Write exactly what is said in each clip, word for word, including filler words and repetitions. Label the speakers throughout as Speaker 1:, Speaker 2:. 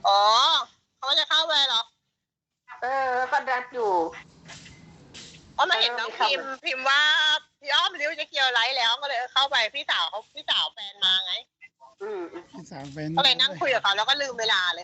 Speaker 1: อ๋อเขาจะเข้าไปเหรอ
Speaker 2: เออก็ดัดอยู่
Speaker 1: เพราะมาเห็นน้องพิมพ์พิมพ์ว่าพี่อ้อมริ้วจะเกี่ยวไลฟ์แล้วก็เลยเข้าไปพี่สาวเขาพี่สาวแฟนมาไง
Speaker 2: อืม
Speaker 3: พี่สาวแฟน
Speaker 1: ก็เลยนั่งคุยกับเขาแล้วก็ลืมเวลาเลย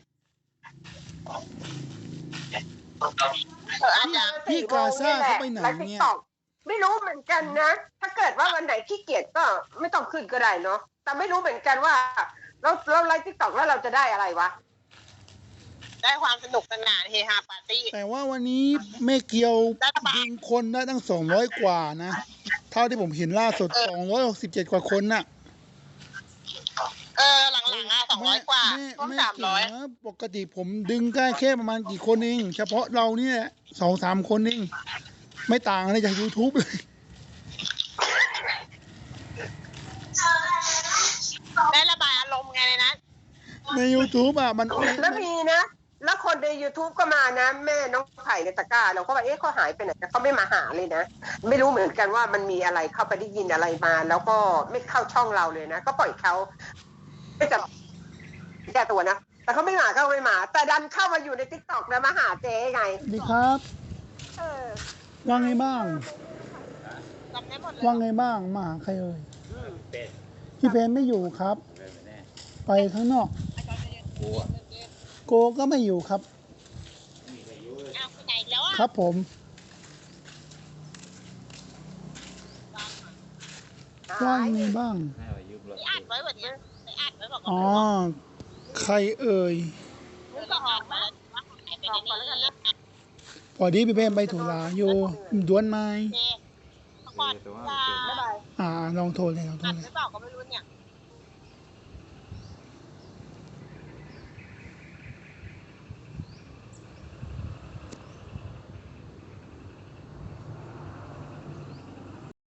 Speaker 1: เอออาจารย์
Speaker 3: พี่กาซ่าเขาไปไหนเนี่ย
Speaker 2: ไม่รู้เหมือนกันนะถ้าเกิดว่าวันไหนขี้เกียจก็ไม่ต้องขึ้นก็ได้เนาะแต่ไม่รู้เหมือนกันว่าเราเราไลฟ์ติ๊กต็อกแล้วเราจะได้อะไรวะ
Speaker 1: ได้ความสนุกสนานเฮฮาปาร์ตี้
Speaker 3: แต่ว่าวันนี้แม่เกียวดึงคนได้ตั้งสองร้อยกว่านะเท่าที่ผมเห็นล่าสุดสองร้อยหกสิบเจ็ดกว่าคนน่ะ
Speaker 1: เออหลังๆอ่ะสองร้อยกว่าต้นสามร้อย
Speaker 3: ปกติผมดึงได้แค่ประมาณกี่คนเองเฉพาะเราเนี่ยสองสามคนเองไม่ต่างอะไรจาก ยูทูบ เลย
Speaker 1: ได้ระบายอารมณ์ไงเลยนะ
Speaker 3: ใน ยูทูบ อ่ะมัน
Speaker 2: แล้วมีนะแล้วคนใน ยูทูบ ก็มานะแม่น้องไผ่ในตะกร้าเราก็ว่าเอ๊ะเขาหายไปไหนเขาไม่มาหาเลยนะไม่รู้เหมือนกันว่ามันมีอะไรเข้าไปได้ยินอะไรมา แล้วก็ไม่เข้าช่องเราเลยนะก็ปล่อยเขาไม่จับแก้ตัวนะแต่เขาไม่มาเขาไม่มาแต่ดันเข้ามาอยู่ใน ติ๊กต็อก นะมาหาเจ๊ไง
Speaker 3: ดีครับ
Speaker 2: เออ
Speaker 3: ว่าไงบ้างว่าไงบ้างมาหาใครเอ่ยพี่เพนไม่อยู่ครับไปข้างนอกโกก็ไม่อยู่ครับครับผมว่าไงบ้างอ๋อใครเอ่ยพอดีพี่เพนไปถูลาอยู่ด้วนไม้อ่าลองโทรเลยลองโทรเลย